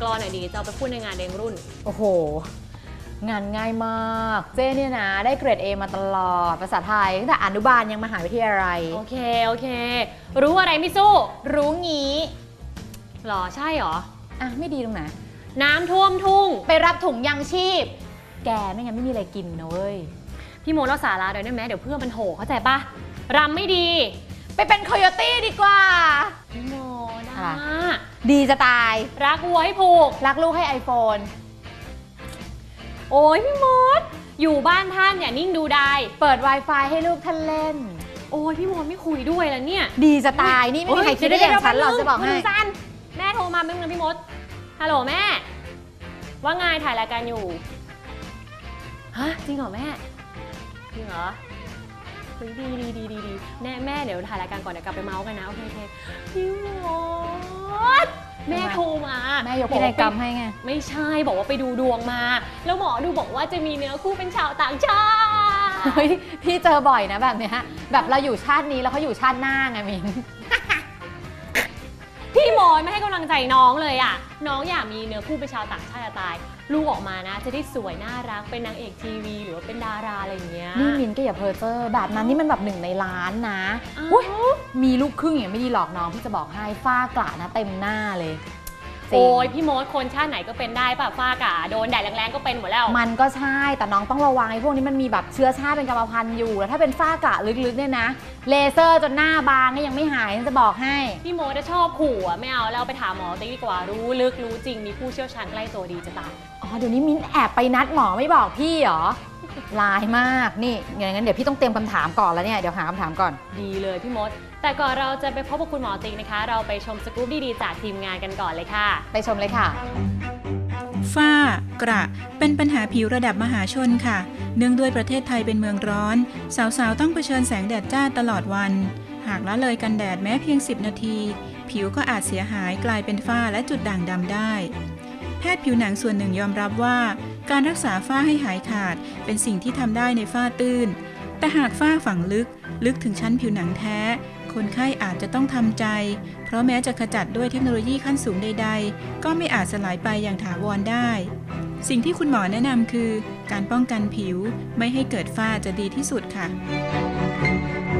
รอหน่อยดีจะเอาไปพูดในงานเลี้ยงรุ่นโอ้โหงานง่ายมากเจ้เนี่ยนะได้เกรด A มาตลอดภาษาไทยตั้งแต่อนุบาลยังมหาวิทยาลัยโอเครู้อะไรไม่สู้รู้งี้หรอใช่หรออ่ะไม่ดีตรงไหนน้ำท่วมทุ่งไปรับถุงยังชีพแกไม่งั้นไม่มีอะไรกินนะเว้ยพี่โมเล่าสาระได้ไหมเดี๋ยวเพื่อนมันโหเข้าใจปะรำไม่ดีไปเป็นโคโยตี้ดีกว่าพี่โมนะดีจะตายรักวัวให้ผูกรักลูกให้ iPhone โอ้ยพี่มดอยู่บ้านท่านอย่านิ่งดูได้เปิด Wi-Fi ให้ลูกท่านเล่นโอ้ยพี่มดไม่คุยด้วยแล้วเนี่ยดีจะตายนี่ไม่มีใครคิดได้อย่างฉันหรอกจะบอกให้แม่โทรมาไม่มึงพี่มดฮัลโหลแม่ว่าไงถ่ายรายการอยู่ฮะจริงเหรอแม่จริงเหรอดีแม่เดี๋ยวถ่ายรายการก่อนเดี๋ยวกลับไปเมาส์กันนะโอเคพี่มดแม่โทรมาแม่ยกพินัยกรรมให้ไงไม่ใช่บอกว่าไปดูดวงมาแล้วหมอดูบอกว่าจะมีเนื้อคู่เป็นชาวต่างชาติเฮ้ยพี่เจอบ่อยนะแบบเนี้ยแบบเราอยู่ชาตินี้แล้วเขาอยู่ชาติหน้าไงมินพี่มดไม่ให้กำลังใจน้องเลยอ่ะน้องอยากมีเนื้อคู่เป็นชาวต่างชาติตายลูกออกมานะจะได้สวยน่ารักเป็นนางเอกทีวีหรือว่าเป็นดาราอะไรอย่างเงี้ยนี่มินก็อย่าเพ้อเจ้อแบบนั้นนี่มันแบบ1 ในล้านนะมีลูกครึ่งอย่างไม่ดีหรอกน้องพี่จะบอกให้ฝ้ากระนะเต็มหน้าเลยโอ้ยพี่มดคนชาติไหนก็เป็นได้ป่ะฝ้ากระโดนแดดแรงๆก็เป็นหมดแล้วมันก็ใช่แต่น้องต้องระวังไอ้พวกนี้มันมีแบบเชื้อชาติเป็นกรรมพันธุ์อยู่แล้วถ้าเป็นฝ้ากระลึกๆเนี่ยนะเลเซอร์จนหน้าบางก็ยังไม่หายจะบอกให้พี่มดจะชอบขู่อ่ะไม่เอาแล้วไปถามหมอติ๊กดีกว่ารู้ลึกรู้จริงมีผู้เชี่ยวชาญใกล้ตัวดีจะตายอ๋อเดี๋ยวนี้มิ้นแอบไปนัดหมอไม่บอกพี่เหรอลายมากนี่อย่างนั้นเดี๋ยวพี่ต้องเตรียมคำถามก่อนแล้วเนี่ยเดี๋ยวหาคำถามก่อนดีเลยพี่มดแต่ก่อนเราจะไปพบกับคุณหมอติ๊กนะคะเราไปชมสกู๊ปดีๆจากทีมงานกันก่อนเลยค่ะไปชมเลยค่ะฝ้ากระเป็นปัญหาผิวระดับมหาชนค่ะเนื่องด้วยประเทศไทยเป็นเมืองร้อนสาวๆต้องเผชิญแสงแดดจ้าตลอดวันหากละเลยกันแดดแม้เพียง10 นาทีผิวก็อาจเสียหายกลายเป็นฝ้าและจุดด่างดำได้แพทย์ผิวหนังส่วนหนึ่งยอมรับว่าการรักษาฝ้าให้หายขาดเป็นสิ่งที่ทำได้ในฝ้าตื้นแต่หากฝ้าฝังลึกถึงชั้นผิวหนังแท้คนไข้อาจจะต้องทำใจเพราะแม้จะขจัดด้วยเทคโนโลยีขั้นสูงใดๆก็ไม่อาจสลายไปอย่างถาวรได้สิ่งที่คุณหมอแนะนำคือการป้องกันผิวไม่ให้เกิดฝ้าจะดีที่สุดค่ะ